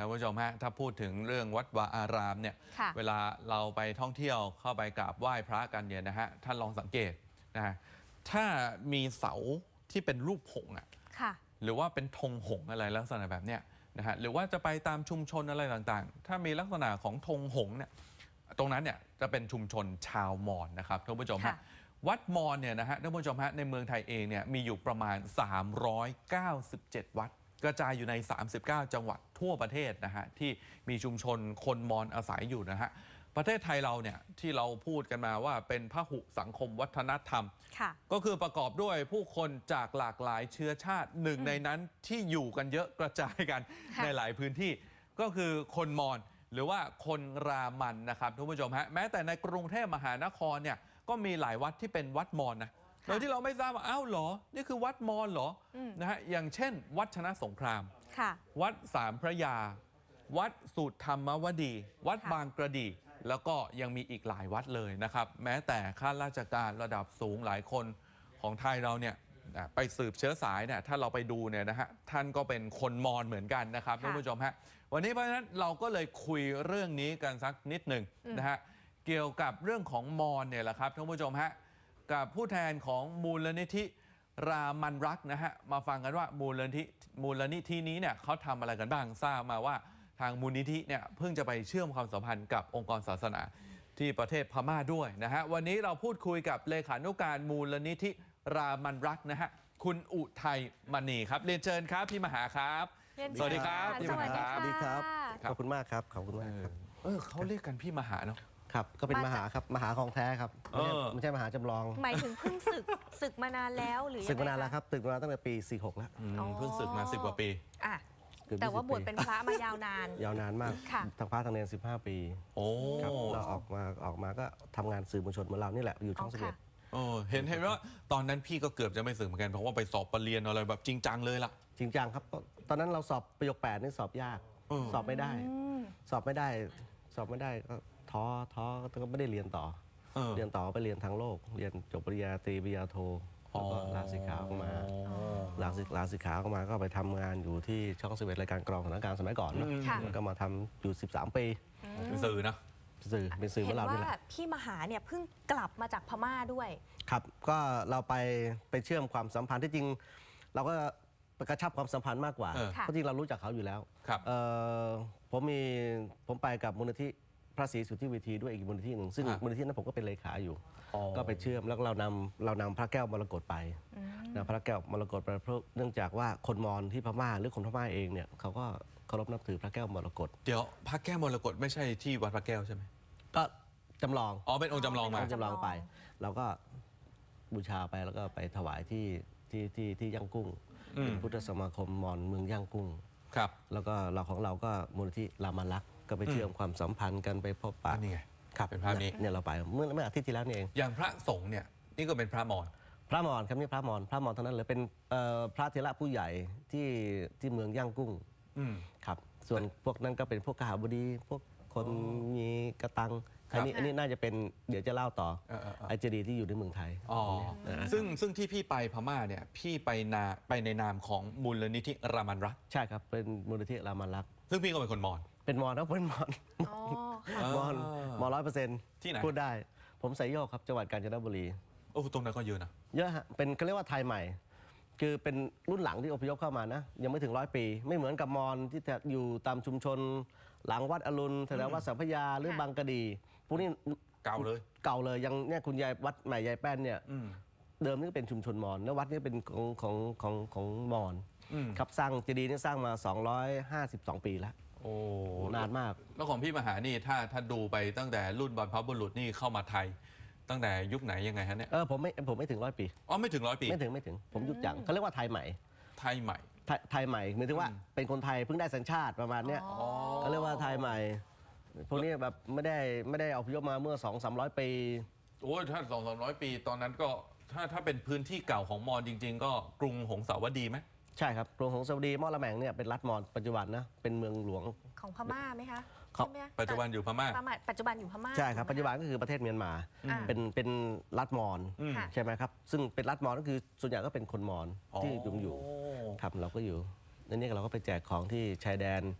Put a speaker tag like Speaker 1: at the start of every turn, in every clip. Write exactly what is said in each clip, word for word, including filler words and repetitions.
Speaker 1: ท่านผู้ชมฮะถ้าพูดถึงเรื่องวัดวาอารามเนี่ยเวลาเราไปท่องเที่ยวเข้าไปกราบไหว้พระกันเนี่ยนะฮะท่านลองสังเกตนะฮะถ้ามีเสาที่เป็นรูปหงส์อ่ะหรือว่าเป็นธงหงส์อะไรลักษณะแบบเนี้ยนะฮะหรือว่าจะไปตามชุมชนอะไรต่างๆถ้ามีลักษณะของธงหงส์เนี่ยตรงนั้นเนี่ยจะเป็นชุมชนชาวมอญนะครับท่านผู้ชมฮะวัดมอญเนี่ยนะฮะท่านผู้ชมฮะในเมืองไทยเองเนี่ยมีอยู่ประมาณสามร้อยเก้าสิบเจ็ดวัดกระจายอยู่ในสามสิบเก้าจังหวัดทั่วประเทศนะฮะที่มีชุมชนคนมอญอาศัยอยู่นะฮะประเทศไทยเราเนี่ยที่เราพูดกันมาว่าเป็นพหุสังคมวัฒนธรรมก็คือประกอบด้วยผู้คนจากหลากหลายเชื้อชาติหนึ่งในนั้นที่อยู่กันเยอะกระจายกันในหลายพื้นที่ก็คือคนมอญหรือว่าคนรามันนะครับทุกผู้ชมฮะแม้แต่ในกรุงเทพมหานครเนี่ยก็มีหลายวัดที่เป็นวัดมอญนะโดยที่เราไม่ทราบว่าอ้าวเหรอนี่คือวัดมอญเหรอนะฮะอย่างเช่นวัดชนะสงครามวัดสามพระยาวัดสุธรรมวดีวัดบางกระดีแล้วก็ยังมีอีกหลายวัดเลยนะครับแม้แต่ข้าราชการระดับสูงหลายคนของไทยเราเนี่ยไปสืบเชื้อสายเนี่ยถ้าเราไปดูเนี่ยนะฮะท่านก็เป็นคนมอญเหมือนกันนะครับท่านผู้ชมฮะวันนี้เพราะฉะนั้นเราก็เลยคุยเรื่องนี้กันสักนิดหนึ่งนะฮะเกี่ยวกับเรื่องของมอญเนี่ยแหละครับท่านผู้ชมฮะกับผู้แทนของมูลนิธิรามันรักนะฮะมาฟังกันว่ามูลนิธิมูลนิธินี้เนี่ยเขาทำอะไรกันบ้างทราบมาว่าทางมูลนิธิเนี่ยเพิ่งจะไปเชื่อมความสัมพันธ์กับองค์กรศาสนาที่ประเทศพม่าด้วยนะฮะวันนี้เราพูดคุยกับเลขานุการมูลนิธิรามันรักนะฮะคุณอุทัยมณีครับเรียนเชิญครับพี่มหาครับสวัสดีครับพี่มหาครับ
Speaker 2: สวัสดีครับขอบคุณมากครับขอบคุณมากครับ
Speaker 1: เออเขาเรียกกันพี่มหาเนาะ
Speaker 2: ครับก็เป็นมหาครับมหาของแท้ครับไม่ใช่มหาจำลอง
Speaker 3: หมายถึงเพิ่งศึกศึกมานานแล้วหรือ
Speaker 2: ศึกมานานแล้วครับศึกมาตั้งแต่ปีสี่หกแล้ว
Speaker 1: เพิ่งศึกมาสิบกว่าปี
Speaker 3: อ่ะแต่ว่าบวชเป็นพระมายาวนาน
Speaker 2: ยาวนานมากทั้งพระทั้งเนรสิบห้าปี
Speaker 1: โอ้
Speaker 2: เราออกมาออกมาก็ทำงานสื่อมวลชนเหมือนเรานี่แหละอยู่ช่องสิบเอ็ด
Speaker 1: โอ้เห็นเห็นว่าตอนนั้นพี่ก็เกือบจะไม่ศึกเหมือนกันเพราะว่าไปสอบปรริญญาอะไรแบบจริงจังเลยล่ะ
Speaker 2: จริงจังครับตอนนั้นเราสอบประโยคแปดนี่สอบยากสอบไม่ได้สอบไม่ได้สอบไม่ได้ก็ท้อท้อก็ไม่ได้เรียนต่อเรียนต่อไปเรียนทางโลกเรียนจบปริญญาตรีปริญญาโทแล้วก็ลาสิกขาออกมาลาสิลาสิกขาออกมาก็ไปทำงานอยู่ที่ช่องสิบเอ็ดรายการกรองสถานการณ์สมัยก่อนแล้วก็มาทำอยู่สิบสามปี
Speaker 1: เป็นสื่อนะ
Speaker 2: สื่อเป็นสื่อเมื่อเรา
Speaker 3: เนี่ยว่าพี่มหาเนี่ยเพิ่งกลับมาจากพม่าด้วย
Speaker 2: ครับก็เราไปไปเชื่อมความสัมพันธ์ที่จริงเราก็กระชับความสัมพันธ์มากกว่าเพราะจริงเรารู้จักเขาอยู่แล้วผมมีผมไปกับมูลนิธิพระศรีสุทธิเวทีด้วยอีกมูลนิธิหนึ่งซึ่งมูลนิธินั้นผมก็เป็นเลขาอยู่ก็ไปเชื่อมแล้วเรานำเรานำพระแก้วมรกตไปนะพระแก้วมรกตไปเพราะเนื่องจากว่าคนมอญที่พม่าหรือคนพม่าเองเนี่ยเขาก็เคารพนับถือพระแก้วมรกต
Speaker 1: เดี๋ยวพระแก้วมรกตไม่ใช่ที่วัดพระแก้วใช่ไหม
Speaker 2: ก็จำลอง
Speaker 1: อ๋อเป็นองค์จำลองมา
Speaker 2: จำลองไปเราก็บูชาไปแล้วก็ไปถวายที่ที่ที่ที่ย่างกุ้งเป็นพุทธสมาคมมอญเมืองย่างกุ้ง
Speaker 1: ครับ
Speaker 2: แล้วก็เราของเราก็มูลนิธิรามันรักก็ไปเชื่อมความสัมพันธ์กันไปพบปะ
Speaker 1: นี่ไง
Speaker 2: ครับ
Speaker 1: เป็นภาพนี้
Speaker 2: เนี่ยเราไปเมื่อเมื่ออาทิตย์ที่แล้วนี่เอง
Speaker 1: อย่างพระสงฆ์เนี่ยนี่ก็เป็นพระมอญ
Speaker 2: พระมอญครับนี่พระมอญพระมอญเท่านั้นเลยเป็นพระเถระผู้ใหญ่ที่ที่เมืองย่างกุ้งครับส่วนพวกนั้นก็เป็นพวกกหบดีพวกคนมีกระตังอันนี้อันนี้น่าจะเป็นเดี๋ยวจะเล่าต่อไอเจดีที่อยู่ในเมืองไทย
Speaker 1: อ๋อซึ่งซึ่งที่พี่ไปพม่าเนี่ยพี่ไปนาไปในนามของมูลนิธิรามันรัก
Speaker 2: ใช่ครับเป็นมูลนิธิรามันรัก
Speaker 1: ซึ่งพี่ก็เป็นคนมอญ
Speaker 2: เป็นมอญครับเป็นมอญมอญมอญร้อยเปอร์เซ็นต์
Speaker 1: ที่ไหน
Speaker 2: พูดได้ผมไซโยกครับจังหวัดกาญจนบุรี
Speaker 1: โอ้ตรงนั้นก็เยอะนะ
Speaker 2: เยอะฮะเป็นเขาเรียกว่าไทยใหม่คือเป็นรุ่นหลังที่อพยพเข้ามานะยังไม่ถึงร้อยปีไม่เหมือนกับมอญที่จะอยู่ตามชุมชนหลังวัดอรุณแถววัดสัมพยาหรือบางกะดีพวกนี้
Speaker 1: เก่าเลย
Speaker 2: เก่าเลยยังเนี่ยคุณยายวัดใหม่ยายแป้นเนี่ยเดิมนี่ก็เป็นชุมชนมอญแล้ววัดนี้เป็นของของของของมอญครับสร้างเจดีย์นี่สร้างมาสองร้อยห้าสิบสองปีแล้ว
Speaker 1: โอ้
Speaker 2: นานมาก
Speaker 1: แล้วของพี่มหานี่ถ้าถ้าดูไปตั้งแต่รุ่นบรรพบุรุษนี่เข้ามาไทยตั้งแต่ยุคไหนยังไงฮะเนี่ย
Speaker 2: เออผมไม่ผมไม่ถึงร้อยปี
Speaker 1: อ๋อไม่ถึงร้อยปี
Speaker 2: ไม่ถึงไม่ถึงผมยุคจังเขาเรียกว่าไทยใหม่
Speaker 1: ไทยใหม่
Speaker 2: ไทยใหม่หมายถึงว่าเป็นคนไทยเพิ่งได้สัญชาติประมาณเนี้ยเขาเรียกว่าไทยใหม่พวกนี้แบบไม่ได้ไม่ได้อพยพมาเมื่อสองสามร้อยปี
Speaker 1: โอ้ถ้าสองสามร้อยปีตอนนั้นก็ถ้าถ้าเป็นพื้นที่เก่าของมอญจริงๆก็กรุงหงสาวดีไหม
Speaker 2: ใช่ครับกรุงหงสาวดีมอญละแมงเนี่ยเป็นรัฐมอญปัจจุบันนะเป็นเมืองหลวง
Speaker 3: ของพม่าไหมคะ
Speaker 1: ปัจจุบันอยู่พม่า
Speaker 3: ปัจจุบันอยู่พม่า
Speaker 2: ใช่ครับปัจจุบันก็คือประเทศเมียนมาเป็นเป็นรัฐมอญใช่ไหมครับซึ่งเป็นรัฐมอญก็คือส่วนใหญ่ก็เป็นคนมอญที่อยู่อยู่ครับเราก็อยู่นั่นนี่เราก็ไปแจกของที่ชายแดน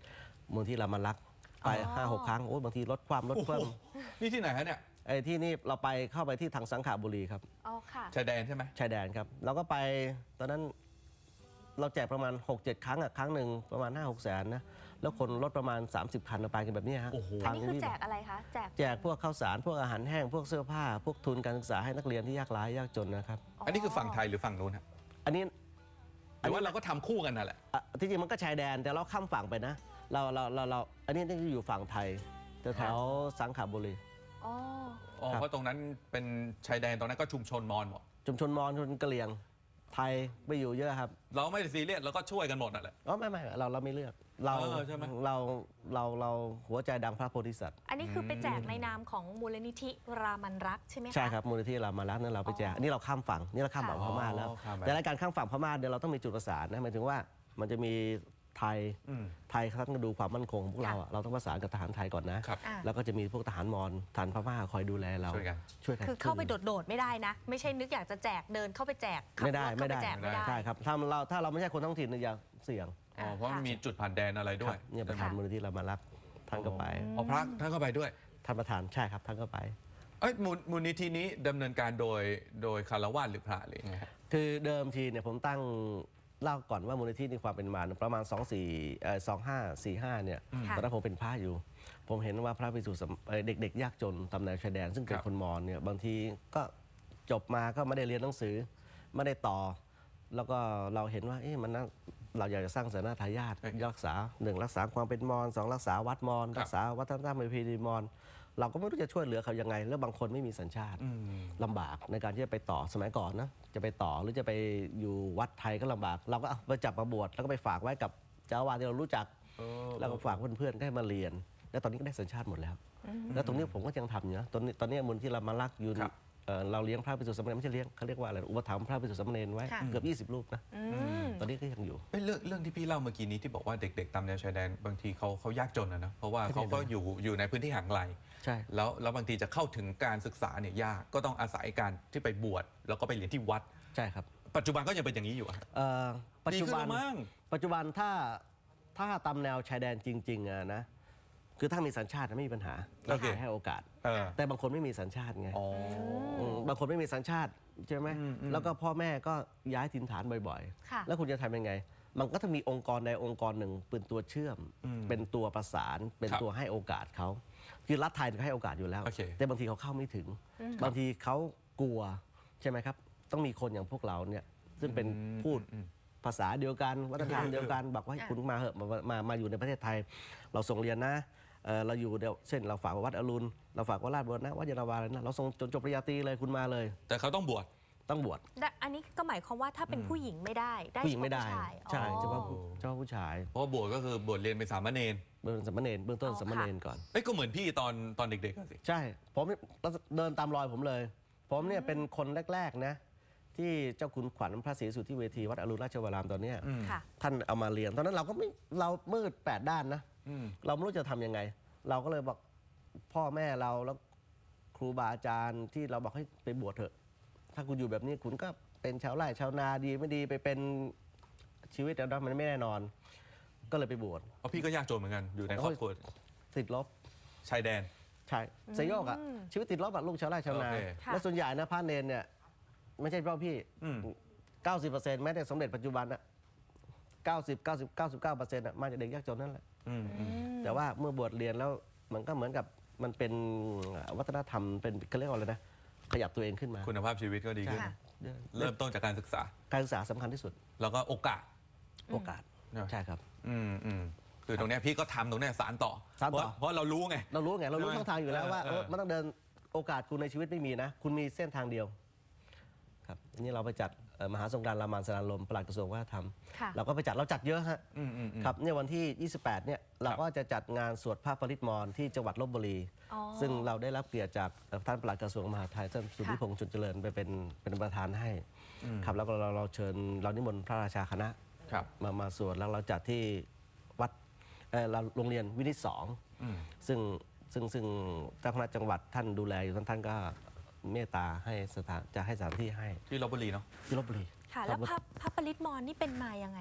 Speaker 2: มูลที่รามารักษ์ไป
Speaker 3: อ๋อ
Speaker 2: ห้าหกครั้งโอ้ยบางทีลดความลด
Speaker 1: โอ้โห
Speaker 2: เพิ่ม
Speaker 1: นี่ที่ไหนฮะเนี่ย
Speaker 2: ไอ้ที่นี่เราไปเข้าไปที่ทางสังขบุรีครับ
Speaker 3: อ๋อค่ะ
Speaker 1: ชายแดนใช่ไหม
Speaker 2: ชายแดนครับเราก็ไปตอนนั้นเราแจกประมาณ หกเจ็ด ครั้งอะครั้งหนึ่งประมาณ ห้าหก แสนนะแล้วคนรถประมาณ สามสิบ คันเราไปกันแบบเนี้ยฮะ
Speaker 1: โอ้โห
Speaker 3: อันนี้คือแจกอะไรคะ แจก
Speaker 2: แจกพวกข้าวสารพวกอาหารแห้งพวกเสื้อผ้า พวกทุนการศึกษาให้นักเรียนที่ยากไร้ยากจนนะครับ
Speaker 1: อันนี้คือฝั่งไทยหรือฝั่งนู้นฮะ
Speaker 2: อันนี้
Speaker 1: หรือว่าเราก็ทำคู่กันนั่นแหละ
Speaker 2: อ่ะที่จริงมันก็ชายแดนแต่เราข้ามฝั่งไปนะ เราเราเราเราอันนี้นี่อยู่ฝั่งไทยแถวๆสังขบุรี
Speaker 3: อ๋อ
Speaker 1: อ๋อ
Speaker 2: ครับ
Speaker 1: เพราะตรงนั้นเป็นชายแดนตรงนั้นก็ชุมชนมอญหมด
Speaker 2: ชุมชนมอญชุมชนกะเหรี่ยงไทยไปอยู่เยอะครับ
Speaker 1: เราไม่ได้ซีเรียสเราก็ช่วยกันหมดนั่นแหละ
Speaker 2: อ๋อไม่ไม่เราเราไม่เลือกเรา
Speaker 1: เออใช่ไหม
Speaker 2: เราเราเราหัวใจดังพระโพธิสัตว์
Speaker 3: อันนี้คือไปแจกในนามของมูลนิธิรามันรักใช่ไหมคะ
Speaker 2: ใช่ครับมูลนิธิรามารักษ์นั่นเราไปแจก
Speaker 3: อ๋ออั
Speaker 2: นนี้เราข้ามฝั่งนี่เราข้ามฝั่ง
Speaker 3: ค่ะ
Speaker 2: พม่าแล้ว
Speaker 1: อ๋อข้ามไป
Speaker 2: แต่ในการข้ามฝั่งพม่าเนี่ยเราต้องมีจุดประสานนะหมายถึงว่ามันจะมีไทย
Speaker 1: อืม
Speaker 2: ไทยเขาต้องดูความมั่นคงของพวกเราอะเราต้องประสานกับทหารไทยก่อนนะ
Speaker 1: ครับ
Speaker 3: อ่ะ
Speaker 2: แล้วก็จะมีพวกทหารมอญทหารพม่าคอยดูแลเรา
Speaker 1: ช่วยกัน
Speaker 2: ช่วยกัน
Speaker 3: คือเข้าไปโดดๆไม่ได้นะ ไม่ใช่นึกอยากจะแจกเดินเข้าไปแจกขับ
Speaker 2: ไม่ได้
Speaker 3: รถ
Speaker 2: ไม่
Speaker 3: เข้า
Speaker 2: ได้
Speaker 3: ปแจกไม่ได้
Speaker 2: ใช่ครับถ้าเราถ้าเราไม่ใช่คนท้องถิ่นเนี่ยอย่าเสี่ยง
Speaker 1: อ๋อเพราะมันมีจุดผ่านแดนอะไรด้วย
Speaker 2: ครับเนี่ยประธานมูลนิธิรามารักษ์ท่านก็ไป
Speaker 1: อ๋อพระท่านก็ไปด้วย
Speaker 2: ท่านประธานใช่ครับท่านก็ไป
Speaker 1: เอ้ยมูลมูลนิธินี้ดำเนินการโดยโดยคารวะหรือพระหรือไงฮะ
Speaker 2: คือเดิมทีเนี่ยผมตั้งเล่าก่อนว่ามูลนิธิมีความเป็นมาประมาณ 2 4เอ่อสองห้าสี่ห้าเนี่ย
Speaker 3: ค่ะ
Speaker 2: ตอนนั้นผมเป็นพระอยู่ ผมเห็นว่าพระภิกษุสามเอ่อเด็กๆ ยากจนตามแนวชายแดน ซึ่งเป็น
Speaker 1: ครับ
Speaker 2: คนมอญเนี่ยบางทีก็จบมาก็ไม่ได้เรียนหนังสือไม่ได้ต่อ แล้วก็เราเห็นว่าเอ๊ะมันน่าเราอยากจะสร้างศาสนาทายาทรักษาหนึ่งรักษาความเป็นมอญสองรักษาวัดมอญรักษาวัฒนธรรมประเพณีมอญเราก็ไม่รู้จะช่วยเหลือเขายังไง แล้วบางคนไม่มีสัญชาติ
Speaker 1: อืม
Speaker 2: ลำบากในการที่จะไปต่อสมัยก่อนนะจะไปต่อหรือจะไปอยู่วัดไทยก็ลำบาก เราก็เอาไปจับมาบวชแล้วก็ไปฝากไว้กับเจ้าอาวาสที่เรารู้จัก
Speaker 1: เออ
Speaker 2: แล้วก็ฝากเพื่อนๆก็ให้มาเรียน แล้วตอนนี้ก็ได้สัญชาติหมดแล้ว แล้วตรงนี้ผมก็ยังทำอยู่นะตอนนี้ตอนนี้มูลที่เรามารักอยู่
Speaker 1: ครับ
Speaker 2: เอ่อเราเลี้ยงพระภิกษุสามเณรไม่ใช่เลี้ยงเขาเรียกว่าอะไรอุปถัมภ์พระภิกษุสามเณรไว้
Speaker 3: ค่ะ
Speaker 2: เกือบยี่สิบรูปนะ
Speaker 3: อืม
Speaker 2: ตอนนี้ก็ยังอยู่
Speaker 1: เอ้ยเรื่องเรื่องที่พี่เล่าเมื่อกี้นี้ที่บอกว่าเด็กๆตามแนวชายแดนบางทีเขาเขายากจนนะนะเพราะว่าเขาก็อยู่อยู่ในพื้นที่ห่างไกล
Speaker 2: ใช่
Speaker 1: แล้วแล้วบางทีจะเข้าถึงการศึกษาเนี่ยยากก็ต้องอาศัยการที่ไปบวชแล้วก็ไปเรียนที่วัด
Speaker 2: ใช่ครับ
Speaker 1: ปัจจุบันก็ยังเป็นอย่างนี้อยู่อะ
Speaker 2: เอ่อปัจจุบัน
Speaker 1: ดีขึ้นแล้วมั้ง
Speaker 2: ปัจจุบันถ้าถ้าตามแนวชายแดนจริงๆอะนะคือถ้ามีสัญชาติไม่มีปัญหาเราให้โอกาส
Speaker 1: เออ
Speaker 2: แต่บางคนไม่มีสัญชาติไง
Speaker 1: อ๋อ
Speaker 2: มบางคนไม่มีสัญชาติใช่ไหม
Speaker 1: อืมอืม
Speaker 2: แล้วก็พ่อแม่ก็ย้ายถิ่นฐานบ่อย
Speaker 3: ค่ะ
Speaker 2: ๆ แล้วคุณจะทำยังไง มันก็จะมีองค์กรใดองค์กรหนึ่งเป็นตัวเชื่อม เป็นตัวประสาน เป็น
Speaker 1: ครับ
Speaker 2: ตัวให้โอกาสเขา คือรัฐไทยก็ให้โอกาสอยู่แล้ว
Speaker 1: โอเค
Speaker 2: แต่บางทีเขาเข้าไม่ถึง บางทีเขากลัวใช่ไหมครับ ต้องมีคนอย่างพวกเราเนี่ย ซึ่งเป็นพูด
Speaker 1: อืม
Speaker 2: ภาษาเดียวกันวัฒนธรรมเดียวกันบอกว่าให้คุณมาเหอะมามามาอยู่ในประเทศไทย เราส่งเรียนนะเอ่อเราอยู่เดี๋ยวเช่นเราฝากวัดอรุณเราฝากวัดราชบุรณะวัดยานาวาเลยนะเราส่งจนจบปริญญาตรีเลยคุณมาเลย
Speaker 1: แต่เขาต้องบวช
Speaker 2: ต้องบวช
Speaker 3: และอันนี้ก็หมายความว่าถ้าเป็นผู้หญิงไม่ได้ ได้
Speaker 2: ผู้หญิงไม่ได้
Speaker 3: เฉพาะผู้ชาย
Speaker 2: ใช่
Speaker 3: อ๋อ
Speaker 2: เฉพาะผู้เฉพาะผู้ชาย
Speaker 1: เพราะว่าบวชก็คือบวชเรียนเป็นสามเณร
Speaker 2: เบื้องสามเณรเบื้องต้น
Speaker 3: อ๋อ
Speaker 2: สามเณรก่อน
Speaker 1: เอ้ยก็เหมือนพี่ตอนตอนเด็กๆอะสิ
Speaker 2: ใช่ผมเดินตามรอยผมเลย ผมเนี่ยเป็นคนแรกๆนะที่เจ้าคุณขวัญพระศรีสุทธิเวทีวัดอรุณราชวรามตอนเนี้ย
Speaker 3: ค่ะ
Speaker 2: ท่านเอามาเรียนตอนนั้นเราก็ไม่เรามืดแปดด้านนะ
Speaker 1: อืม
Speaker 2: เราไม่รู้จะทำยังไง เราก็เลยบอกพ่อแม่เราแล้วครูบาอาจารย์ที่เราบอกให้ไปบวชเถอะ ถ้าคุณอยู่แบบนี้คุณก็เป็นชาวไร่ชาวนาดีไม่ดีไปเป็นชีวิตแล้วมันไม่แน่นอน ก็เลยไปบวช
Speaker 1: เพราะพี่ก็ยากจนเหมือนกันอยู่ในครอบครัว
Speaker 2: ติดลบ
Speaker 1: ชายแดน
Speaker 2: ใช่สยโยกอะชีวิตติดลบอะลูกชาวไร่ชาวนา
Speaker 1: โอเค
Speaker 2: แล้วส่วนใหญ่นะพระเนนเนี่ยไม่ใช่เพราะพี่
Speaker 1: อืม
Speaker 2: เก้าสิบเปอร์เซ็นต์แม้แต่สมเด็จปัจจุบันอะเก้าสิบ เก้าสิบ เก้าสิบเก้าเปอร์เซ็นต์อะมาจากเด็กยากจนนั่นแหละ
Speaker 1: อืมอืม
Speaker 2: แต่ว่าเมื่อบวชเรียนแล้วมันก็เหมือนกับมันเป็นวัฒนธรรมเป็นเขาเรียกว่าอะไรนะขยับตัวเองขึ้นมา
Speaker 1: คุณภาพชีวิตก็ดีขึ้น
Speaker 3: ค่ะ
Speaker 1: เริ่มต้นจากการศึกษา
Speaker 2: การศึกษาสำคัญที่สุด
Speaker 1: แล้วก็โอกาส
Speaker 2: โอกาส
Speaker 1: เนอะ
Speaker 2: ใช่ครับ
Speaker 1: อืมอืมคือตรงเนี้ยพี่ก็ทำตรงเนี้ยสารต่อ
Speaker 2: สานต่อ
Speaker 1: เพราะเพราะเรารู้ไง
Speaker 2: เรารู้ไงเรารู้
Speaker 1: ใช่ไหม
Speaker 2: ช่องทางอยู่แล้วว่า
Speaker 1: เออ
Speaker 2: เออมันต้องเดินโอกาสคุณในชีวิตไม่มีนะ คุณมีเส้นทางเดียวครับอันนี่เราไปจัดเอ่อมหาสงกรานต์รามานสนานลมปลัดกระทรวงวัฒนธรรม
Speaker 3: ค่ะ
Speaker 2: เราก็ไปจัดเราจัดเยอะฮะ
Speaker 1: อืมอืมอืม
Speaker 2: ครับเนี่ยวันที่ ยี่สิบแปด เนี่ยเราก็จะจัดงานสวดพระปริตรมรที่จังหวัดลบบุรี
Speaker 3: อ๋อ
Speaker 2: ซึ่งเราได้รับเกียรติจากเอ่อท่านปลัดกระทรวงมหาดไทยท่านสุทธิพงษ์จุนเจริญไปเป็นเป็นประธานให้ครับแล้วก็เราเราเชิญเรานิมนต์พระราชาคณะ
Speaker 1: ครับ
Speaker 2: มามาสวดแล้วเราจัดที่วัดเอ่อเราโรงเรียนวินิตสอง
Speaker 1: อืม
Speaker 2: ซึ่งซึ่งซึ่งเจ้าคณะจังหวัดท่านดูแลอยู่ท่านท่านก็เมตตาให้สถานจะให้สถานที่ให้
Speaker 1: ที่ลบบุรีเนาะ
Speaker 2: ที่ลบบุรี
Speaker 3: ค่ะ
Speaker 2: ค
Speaker 3: แล้
Speaker 2: รั
Speaker 3: ว
Speaker 2: บ
Speaker 3: พระพระปริตรมรนี่เป็นมายังไงคะ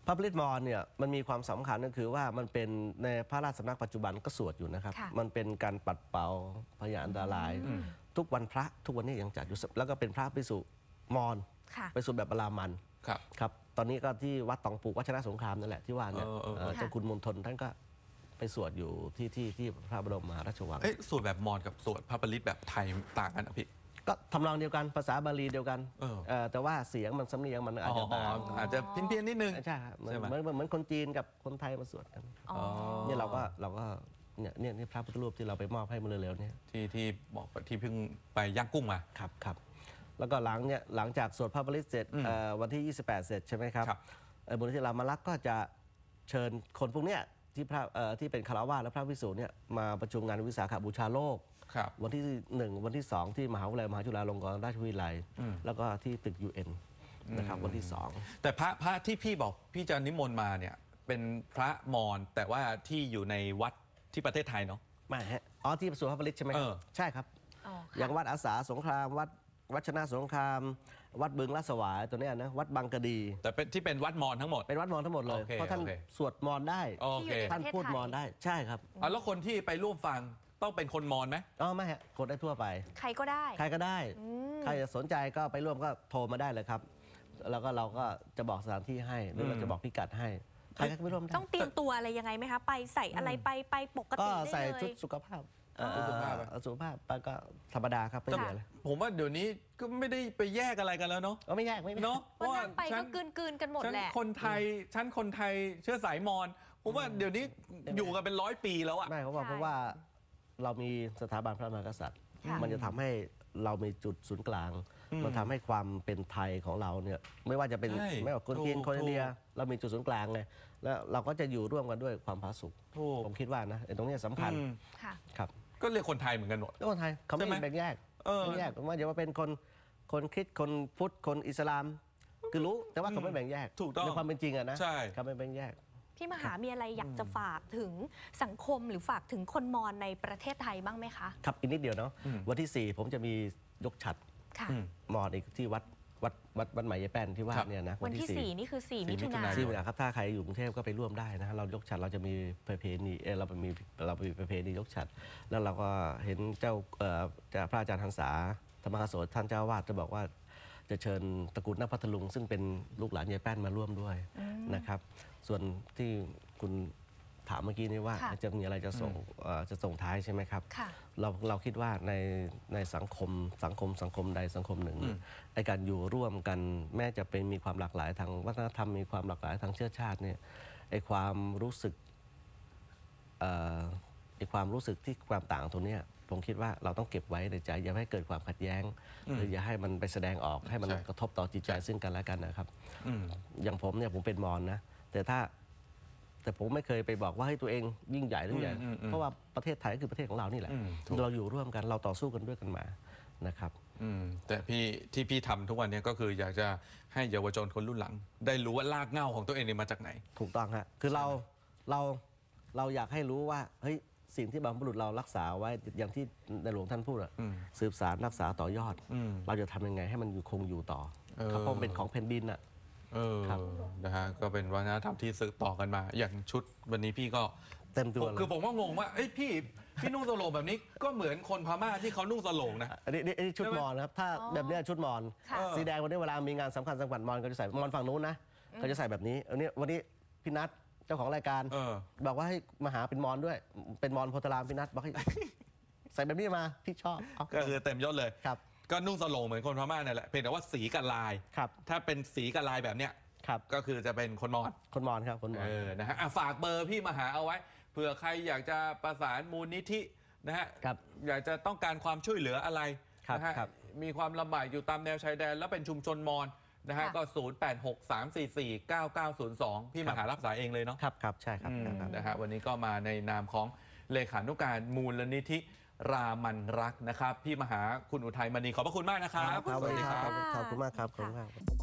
Speaker 2: พระผลิตมอญเนี่ยมันมีความสำคัญก็คือว่ามันเป็นในพระราชสำนักปัจจุบันก็สวดอยู่นะครับ
Speaker 3: ค่ะ
Speaker 2: มันเป็นการปัดเป่าพยาอันตราย ทุกวันพระทุกวันนี้ยังจัดอยู่แล้วก็เป็นพระภิกษุมอญ
Speaker 3: ค่ะ
Speaker 2: ไปสวดแบบบาลามัน
Speaker 1: ครับ
Speaker 2: ครับตอนนี้ก็ที่วัดตองปูวัชนะสงครามนั่นแหละที่ว่าเนี่ย
Speaker 1: เออเออเออ
Speaker 2: เอ่อเจ้าคุณมณฑลท่านก็ไปสวดอยู่ที่ที่ที่พระบรมมหาราชวัง
Speaker 1: เอ๊ะสวดแบบมอญกับสวดพระปริตแบบไทยต่างกันอ่ะพี่
Speaker 2: ก็ทำนองเดียวกันภาษาบาลีเดียวกัน
Speaker 1: เออ
Speaker 2: เอ่อแต่ว่าเสียงมันสำเนียงมันอาจจะต่าง
Speaker 1: อาจจะเพี้ยนๆนิดนึง
Speaker 2: ใช่ครับเหมือน
Speaker 1: ใช่ไหม
Speaker 2: เหมือนเหมือนคนจีนกับคนไทยมาสวดกัน
Speaker 3: อ๋อ
Speaker 2: เนี่ยเราก็เราก็เนี่ยเนี่ยนี่พระพุทธรูปที่เราไปมอบให้เมื่อเร็วๆเนี่ย
Speaker 1: ที่ที่บอกที่เพิ่งไปย่างกุ้งมา
Speaker 2: ครับครับแล้วก็หลังเนี่ยหลังจากสวดพระปริตเสร็จ
Speaker 1: อืม
Speaker 2: เอ่อวันที่ ยี่สิบแปด เสร็จใช่ไหมครับ
Speaker 1: ครับ
Speaker 2: เอ่อมูลนิธิรามารักษ์ก็จะเชิญคนพวกเนี้ยที่พระเอ่อที่เป็นคารวะและพระภิกษุเนี่ยมาประชุมงานวิสาขบูชาโลก
Speaker 1: ครับ
Speaker 2: วันที่หนึ่งวันที่สองที่มหาวิทยาลัยมหาจุฬาลงกรณราชวิทยาลัย
Speaker 1: อืม
Speaker 2: แล้วก็ที่ตึก ยู เอ็น นะครับวันที่สอง
Speaker 1: แต่พระพระที่พี่บอกพี่จะนิมนต์มาเนี่ยเป็นพระมอญแต่ว่าที่อยู่ในวัดที่ประเทศไทยเนาะ
Speaker 2: ไม่ฮะอ๋อที่สวนพระปริตใช่ไหมค
Speaker 1: เอ
Speaker 2: รับ
Speaker 1: อ
Speaker 2: ใช่ครับ
Speaker 3: อ๋อ
Speaker 2: อ
Speaker 3: ค่ะ
Speaker 2: ย่างวัดอาสาสงครามวัดวัดชนะสงคราม วัดบึงลาดสวายตัวเนี้ยนะวัดบางกะดี
Speaker 1: แต่เป็นที่เป็นวัดมอญทั้งหมด
Speaker 2: เป็นวัดมอญทั้งหมดเลย
Speaker 1: โอเค
Speaker 2: เพราะท่าน
Speaker 1: โอเค
Speaker 2: สวดมอญได้
Speaker 1: โอเค
Speaker 2: ท่านพูดมอญได้ใช่ครับ
Speaker 1: อ่ะแล้วคนที่ไปร่วมฟังต้องเป็นคนมอญไหม
Speaker 2: อ๋อไม่ฮะกดได้ทั่วไป
Speaker 3: ใครก็ได้
Speaker 2: ใครก็ได้
Speaker 3: อืม
Speaker 2: ใครจะสนใจก็ไปร่วมก็โทรมาได้เลยครับ แล้วก็เราก็จะบอกสถานที่ให้หรือเราจะบอกพิกัดให้ใครก็ไปร่วมได้
Speaker 3: ต้องเตรียมตัวอะไรยังไงไหมคะ ไปใส่อะไรไปไปปก
Speaker 2: ก็
Speaker 3: ติได้
Speaker 2: ใส่
Speaker 3: เล
Speaker 2: ชุด
Speaker 3: ย
Speaker 2: สุขภาพเอ่อ
Speaker 1: ชุดสุขภาพอะ
Speaker 2: เอ่อสุขภาพไปก็ธรรมดาครับไม่เหลือเลย
Speaker 1: ผมว่าเดี๋ยวนี้ก็ไม่ได้ไปแยกอะไรกันแล้วเนาะ
Speaker 2: ก็ไม่ยากไม่ยาก
Speaker 1: เนาะเพ
Speaker 3: วัน
Speaker 1: ราะว่า
Speaker 3: นั้นไป
Speaker 1: ฉั
Speaker 3: ก็
Speaker 1: น
Speaker 3: กลืนกลืนๆกันหมด
Speaker 1: ฉัน
Speaker 3: แหละ
Speaker 1: คนไทยฉันคนไทยเชื้อสายมอญผมว่าเดี๋ยวนี้อยู่กันเป็นร้อยปีแล้วอะ
Speaker 2: ไม่เพราะว่า
Speaker 3: ใช่
Speaker 2: เพราะว่าเรามีสถาบันพระมหากษัตริย์
Speaker 3: ค่ะ
Speaker 2: มันจะทำให้เรามีจุดศูนย์กลาง
Speaker 1: อืม
Speaker 2: มันทำให้ความเป็นไทยของเราเนี่ยไม่ว่าจะเป็น
Speaker 1: ใช่
Speaker 2: ไม่ว่าคนจีน
Speaker 1: ถูก
Speaker 2: คนอินเดีย
Speaker 1: ถูก
Speaker 2: เรามีจุดศูนย์กลางไงแล้วเราก็จะอยู่ร่วมกันด้วยความผาสุก
Speaker 1: ถูก
Speaker 2: ผมคิดว่านะไอ้ตรงเนี้ยสำคัญ
Speaker 1: อืม
Speaker 3: ค่ะ
Speaker 2: ครับ
Speaker 1: ก็เรียกคนไทยเหมือนกันหมด
Speaker 2: แล้วคนไทยเขาไม่
Speaker 1: ใช่ไหม
Speaker 2: แบ่งแยก
Speaker 1: เออ
Speaker 2: ไม่แยกว่าจะว่าเป็นคนคนคริสต์คนพุทธคนอิสลามคือรู้แต่ว่าเขาไม่แบ่งแยก
Speaker 1: ถูกต้อง
Speaker 2: ในความเป็นจริงอะนะ
Speaker 1: ใช่
Speaker 2: เขาไม่แบ่งแยก
Speaker 3: พี่มหามีอะไรอยากจะฝากถึงสังคมหรือฝากถึงคนมอญในประเทศไทยบ้างไหมคะ
Speaker 2: ครับอีกนิดเดียวเนาะ
Speaker 1: อืม
Speaker 2: วันที่สี่ผมจะมียกฉัตร
Speaker 3: ค่ะ
Speaker 1: อืม
Speaker 2: มอญอีกที่วัดวัดวัดวัดใหม่ยายแป้นที่ว่า
Speaker 1: ครับ
Speaker 2: เนี่ยนะ
Speaker 3: วันที่สี่นี่คือสี่
Speaker 1: สี่
Speaker 3: มิถุนา
Speaker 1: มิถุนาย
Speaker 2: ที่เวลาครับถ้าใครอยู่กรุงเทพก็ไปร่วมได้นะฮะเรายกฉัตรเราจะมีประเพณีเออเรามีเรามีประเพณียกฉัตรแล้วเราก็เห็นเจ้าเอ่อเจ้าพระอาจารย์หันษาธรรมกโสท่านเจ้าวาดจะบอกว่าจะเชิญตระกูลนักพัทลุง ซึ่งเป็นลูกหลานยายแป้นมาร่วมด้วยนะครับ ส่วนที่คุณถามเมื่อกี้นี้ว่า
Speaker 3: ค่ะ
Speaker 2: จะมีอะไรจะส่งเอ่อจะส่งท้ายใช่ไหมครับ
Speaker 3: ค่ะ
Speaker 2: เราเราคิดว่าในในสังคมสังคมสังคมใดสังคมหนึ่ง
Speaker 1: อืม
Speaker 2: ไอการอยู่ร่วมกันแม้จะเป็นมีความหลากหลายทางวัฒนธรรมมีความหลากหลายทางเชื้อชาติเนี่ยไอความรู้สึกเอ่อไอความรู้สึกที่ความต่างตรงเนี้ยผมคิดว่าเราต้องเก็บไว้ในใจอย่าให้เกิดความขัดแย้ง
Speaker 1: อืม
Speaker 2: หรืออย่าให้มันไปแสดงออกให้มัน
Speaker 1: ใช่
Speaker 2: กระทบต่อจิตใจซึ่งกันและกันนะครับ
Speaker 1: อืม
Speaker 2: อย่างผมเนี่ยผมเป็นมอญนะแต่ถ้าแต่ผมไม่เคยไปบอกว่าให้ตัวเองยิ่งใหญ่หรือใหญ่
Speaker 1: อืมอืม
Speaker 2: เพราะว่าประเทศไทยก็คือประเทศของเรานี่แหละ
Speaker 1: อืมถูก
Speaker 2: เราอยู่ร่วมกันเราต่อสู้กันด้วยกันมานะครับ
Speaker 1: อืมแต่พี่ที่พี่ทำทุกวันนี้ก็คืออยากจะให้เยาวชนคนรุ่นหลัง ได้รู้ว่ารากเหง้าของตัวเองเนี่ยมาจากไหน
Speaker 2: ถูกต้องฮะคือเราเราเราอยากให้รู้ว่าเฮ้ยสิ่งที่บรรพบุรุษเรารักษาไว้อย่างที่ในหลวงท่านพูดอะ
Speaker 1: อืม
Speaker 2: สืบสารรักษาต่อยอด
Speaker 1: อืม
Speaker 2: เราจะทำยังไงให้มันอยู่คงอยู่ต่อ
Speaker 1: เออ
Speaker 2: ครับเพราะมันเป็นของแผ่นดินอะ
Speaker 1: เออ
Speaker 2: ครับ
Speaker 1: นะฮะก็เป็นวัฒนธรรมที่สืบต่อกันมา อย่างชุดวันนี้พี่ก็
Speaker 2: เต็มตัว
Speaker 1: ผม
Speaker 2: เล
Speaker 1: คือย ผมก็งงว่าเอ้ยพี่พี่นุ่งสโลงแบบนี้ก็เหมือนคนพม่าที่เขานุ่งสโลงนะ
Speaker 2: อันนี้อันนี้อันนี้ชุด
Speaker 1: ใช่ไหม
Speaker 2: มอญนะครับถ้า
Speaker 3: อ๋อ
Speaker 2: แบบเนี้ยชุดมอญ
Speaker 3: ค่ะ
Speaker 2: สีแดงวันนี้เวลามีงานสำคัญสำคัญมอญก็จะใส่มอญฝั่งนู้นนะเขาจะใส่แบบนี้อันนี้วันนี้พี่นัทเจ้าของรายการ
Speaker 1: เออ
Speaker 2: บอกว่าให้มาหาเป็นมอญด้วย เป็นมอญโพธารามพี่นัทบอกให้ ใส่แบบนี้มาพี่ชอบเอา
Speaker 1: ก็คือเต็มยศเลย
Speaker 2: ครับ
Speaker 1: ก็นุ่งสโลงเหมือนคนพม่านั่นแหละเพียงแต่ว่าสีกับลาย
Speaker 2: ครับ
Speaker 1: ถ้าเป็นสีกับลายแบบเนี้ย
Speaker 2: ครับ
Speaker 1: ก็คือจะเป็นคนมอญ
Speaker 2: คนมอญครับคนมอญ
Speaker 1: เออ นะฮะอ่ะฝากเบอร์พี่มาหาเอาไว้ เผื่อใครอยากจะประสานมูลนิธินะฮะ
Speaker 2: ครับ
Speaker 1: อยากจะต้องการความช่วยเหลืออะไร
Speaker 2: ครับ
Speaker 1: นะฮะ
Speaker 2: ครับ
Speaker 1: มีความลำบากอยู่ตามแนวชายแดน แล้วเป็นชุมชนมอญนะฮะ
Speaker 3: ค่ะ
Speaker 1: ก็ ศูนย์ แปด หก สาม สี่ สี่ เก้า เก้า ศูนย์ สอง พี่มาหารับสายเองเลยเนาะ
Speaker 2: ครับครับใช่ครับ
Speaker 1: อืม
Speaker 2: ครับ
Speaker 1: นะฮะวันนี้ก็มาในนามของเลขานุการมูลนิธิรามันรักนะครับ พี่มหาคุณอุทัยมณีขอบพระคุณมากนะครับ
Speaker 2: ครับสวัสดีครับ
Speaker 3: ขอบคุณค่ะ
Speaker 2: ขอบคุณมากครับขอบคุณมาก